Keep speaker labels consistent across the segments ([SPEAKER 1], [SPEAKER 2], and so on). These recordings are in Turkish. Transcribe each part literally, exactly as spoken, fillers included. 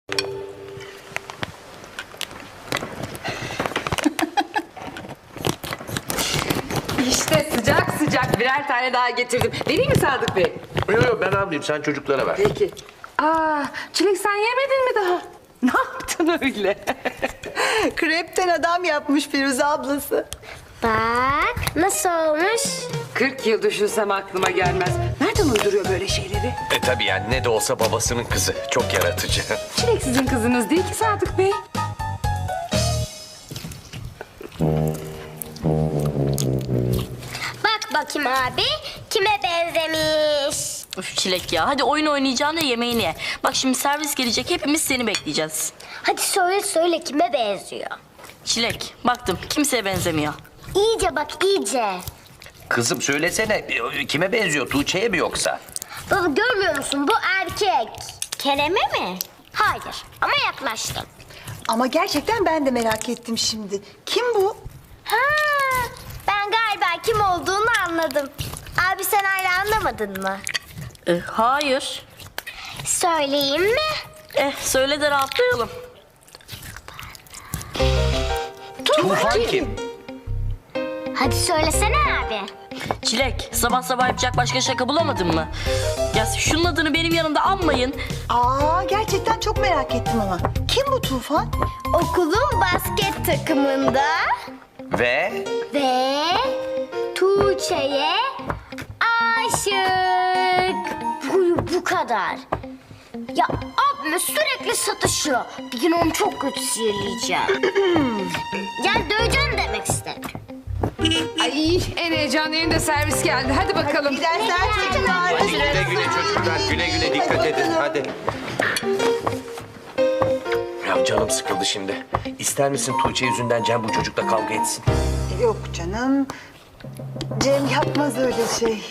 [SPEAKER 1] İşte sıcak sıcak birer tane daha getirdim. Vereyim mi Sadık Bey?
[SPEAKER 2] Yok yok ben almayayım, sen çocuklara ver.
[SPEAKER 1] Peki. Aa, Çilek sen yemedin mi daha? Ne yaptın öyle?
[SPEAKER 3] Krepten adam yapmış Firuze ablası.
[SPEAKER 4] Bak nasıl olmuş?
[SPEAKER 1] Kırk yıl düşünsem aklıma gelmez. Nereden uyduruyor böyle şeyleri?
[SPEAKER 2] E tabii yani ne de olsa babasının kızı. Çok yaratıcı.
[SPEAKER 1] Çilek sizin kızınız değil ki Sadık Bey.
[SPEAKER 4] Bak bakayım abi kime benzemiş.
[SPEAKER 5] Üf Çilek ya. Hadi oyun oynayacağına yemeğini ye. Bak şimdi servis gelecek. Hepimiz seni bekleyeceğiz.
[SPEAKER 4] Hadi söyle söyle kime benziyor.
[SPEAKER 5] Çilek baktım. Kimseye benzemiyor.
[SPEAKER 4] İyice bak iyice.
[SPEAKER 2] Kızım söylesene, kime benziyor? Tuğçe'ye mi yoksa?
[SPEAKER 4] Baba görmüyor musun bu erkek. Kerem'e mi? Hayır ama yaklaştım.
[SPEAKER 3] Ama gerçekten ben de merak ettim şimdi. Kim bu?
[SPEAKER 4] Ha, ben galiba kim olduğunu anladım. Abi sen hala anlamadın mı?
[SPEAKER 5] E, hayır.
[SPEAKER 4] Söyleyeyim mi?
[SPEAKER 5] Eh söyle de rahatlayalım.
[SPEAKER 2] Tufan kim?
[SPEAKER 4] Hadi söylesene abi.
[SPEAKER 5] Çilek sabah sabah yapacak başka şaka bulamadın mı? Ya şunun adını benim yanımda anmayın.
[SPEAKER 3] Aa gerçekten çok merak ettim ama. Kim bu Tufan?
[SPEAKER 4] Okulun basket takımında
[SPEAKER 2] Ve?
[SPEAKER 4] ve Tuğçe'ye aşık. Bu, bu kadar. Ya abime sürekli satışıyor. Bir gün onu çok kötü sihirleyeceğim. Yani döveceğim demek istedim.
[SPEAKER 1] Ay en heyecanlı yerinde servis geldi. Hadi bakalım.
[SPEAKER 3] İyi dersler çocuklar.
[SPEAKER 2] Hadi güle güle çocuklar, güle güle dikkat edin. Hadi. Ya canım sıkıldı şimdi. İster misin Tuğçe yüzünden Cem bu çocukla kavga etsin?
[SPEAKER 3] Yok canım. Cem yapmaz öyle şey.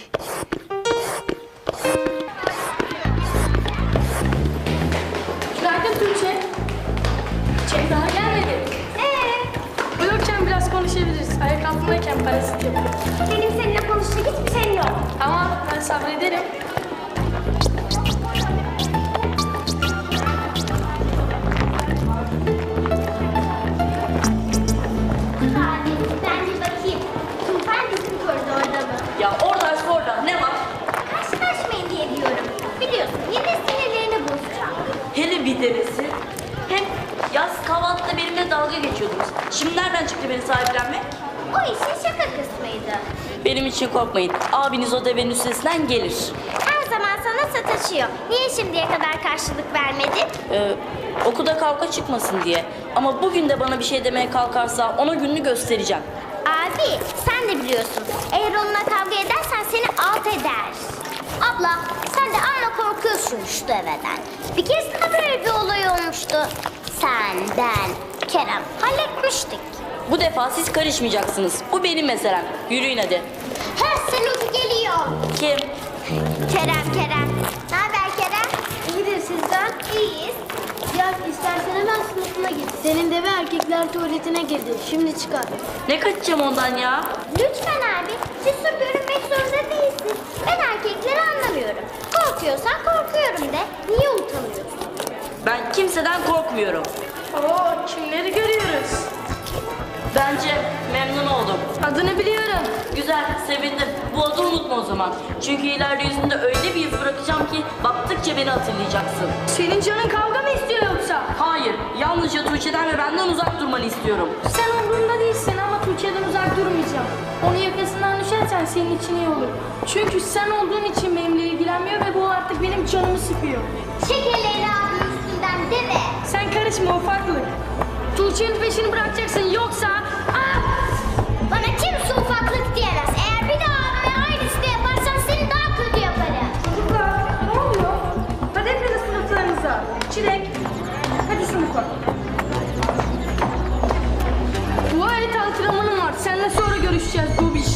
[SPEAKER 6] Günaydın Tuğçe. Çek daha gelmedi.
[SPEAKER 4] Ee,
[SPEAKER 6] Uyurken biraz konuşabiliriz. Ayak altındayken parasit yapıyor.
[SPEAKER 4] benim seninle konuşacak hiçbir şeyim yok.
[SPEAKER 6] Ama ben sabrederim.
[SPEAKER 4] Abi ben bir bakayım. Tufan bizim koridorda mı?
[SPEAKER 5] Ya oradaysa orada ne var?
[SPEAKER 4] Karşılaşmayın diye diyorum. Biliyorsun yine sinirlerini bozacağım.
[SPEAKER 5] Hele bir denesi. Hem yaz kahvaltıda benimle dalga geçiyordunuz. Şimdi nereden çıktı beni sahiplenmek?
[SPEAKER 4] O işin şaka kısmıydı.
[SPEAKER 5] Benim için korkmayın. Abiniz o devenin üstesinden gelir.
[SPEAKER 4] Her zaman sana sataşıyor. Niye şimdiye kadar karşılık vermedin?
[SPEAKER 5] Ee, okulda kavga çıkmasın diye. Ama bugün de bana bir şey demeye kalkarsa ona gününü göstereceğim.
[SPEAKER 4] Abi sen de biliyorsun. Eğer onunla kavga edersen seni alt eder. Abla sen de amma korkuyorsun şu deveden. Bir keresinde böyle bir olay olmuştu. Sen, ben, Kerem halletmiştik.
[SPEAKER 5] Bu defa siz karışmayacaksınız. Bu benim meselem. Yürüyün hadi.
[SPEAKER 4] He Seloş geliyor.
[SPEAKER 5] Kim?
[SPEAKER 4] Kerem, Kerem. Ne haber Kerem? İyidir sizden. İyiyiz.
[SPEAKER 6] Ya istersen hemen sınıfına git. Senin de bir erkekler tuvaletine girdi. Şimdi çıkar.
[SPEAKER 5] Ne kaçacağım ondan ya?
[SPEAKER 4] Lütfen abi. Cesur görünmek zorunda değilsin. Ben erkekleri anlamıyorum. Korkuyorsan korkuyorum de. Niye utanıyorsun?
[SPEAKER 5] Ben kimseden korkmuyorum.
[SPEAKER 6] Oo kimleri görüyoruz?
[SPEAKER 5] Bence memnun oldum.
[SPEAKER 6] Adını biliyorum.
[SPEAKER 5] Güzel, sevindim. Bu adı unutma o zaman. Çünkü ileride yüzünde öyle bir iz bırakacağım ki baktıkça beni hatırlayacaksın.
[SPEAKER 6] Senin canın kavga mı istiyor yoksa?
[SPEAKER 5] Hayır, yalnızca Tuğçe'den ve benden uzak durmanı istiyorum.
[SPEAKER 6] Sen umurumda değilsin ama Tuğçe'den uzak durmayacağım. Onun yakasından düşersen senin için iyi olur. Çünkü sen olduğun için benimle ilgilenmiyor ve bu artık benim canımı sıkıyor.
[SPEAKER 4] Şekerleri abi üstünden deme.
[SPEAKER 6] Sen karışma ufaklık. Tuğçe'nin peşini bırakacaksın yoksa... Ah!
[SPEAKER 4] Bana kimse ufaklık diyemez. Eğer bir daha abime aynısını yaparsan seni daha kötü yaparım.
[SPEAKER 6] Çocuklar ne oluyor? Hadi hepiniz sınıflarınıza. Çilek. Hadi sınıfa. Bu ayet antrenmanım var. Seninle sonra görüşeceğiz Dubiş.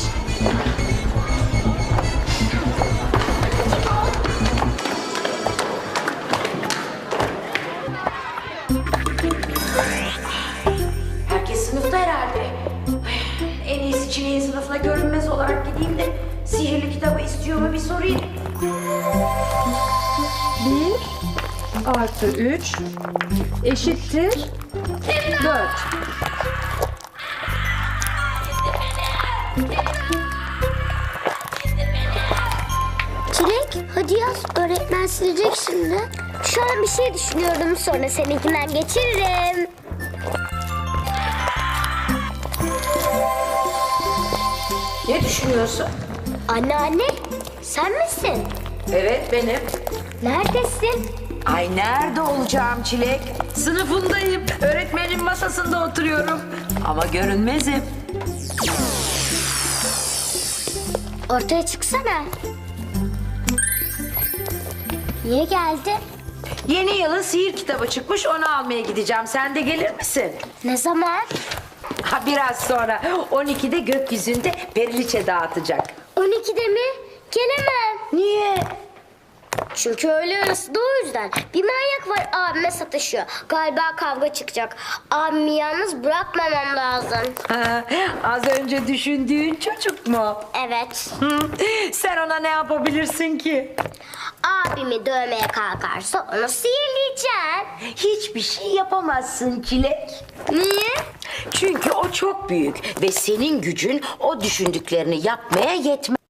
[SPEAKER 7] Herkes sınıfta herhalde. Ay, en iyisi Çileğin sınıfına görünmez olarak gideyim de sihirli kitabı istiyor mu bir sorayım.
[SPEAKER 3] Bir,
[SPEAKER 1] artı üç eşittir dört.
[SPEAKER 4] Çilek hadi yaz. Öğretmen silecek şimdi. Şu an bir şey düşünüyorum. Sonra seninkinden geçiririm.
[SPEAKER 7] Ne düşünüyorsun?
[SPEAKER 4] Anne anne sen misin?
[SPEAKER 7] Evet benim.
[SPEAKER 4] Neredesin?
[SPEAKER 7] Ay nerede olacağım Çilek? Sınıfındayım. Öğretmenin masasında oturuyorum. Ama görünmezim.
[SPEAKER 4] Ortaya çıksana. Niye geldin?
[SPEAKER 7] Yeni yılın sihir kitabı çıkmış, onu almaya gideceğim. Sen de gelir misin?
[SPEAKER 4] Ne zaman?
[SPEAKER 7] Ha, biraz sonra. on ikide gökyüzünde periliçe dağıtacak.
[SPEAKER 4] on ikide mi? Gelemem.
[SPEAKER 7] Niye?
[SPEAKER 4] Çünkü öğle arası da o yüzden. Bir manyak var abime sataşıyor. Galiba kavga çıkacak. Abimi yalnız bırakmamam lazım.
[SPEAKER 7] Ha, az önce düşündüğün çocuk mu?
[SPEAKER 4] Evet.
[SPEAKER 7] Hı, sen ona ne yapabilirsin ki?
[SPEAKER 4] Abimi dövmeye kalkarsa onu sihirleyeceğim.
[SPEAKER 7] Hiçbir şey yapamazsın Çilek.
[SPEAKER 4] Niye?
[SPEAKER 7] Çünkü o çok büyük ve senin gücün o düşündüklerini yapmaya yetmez.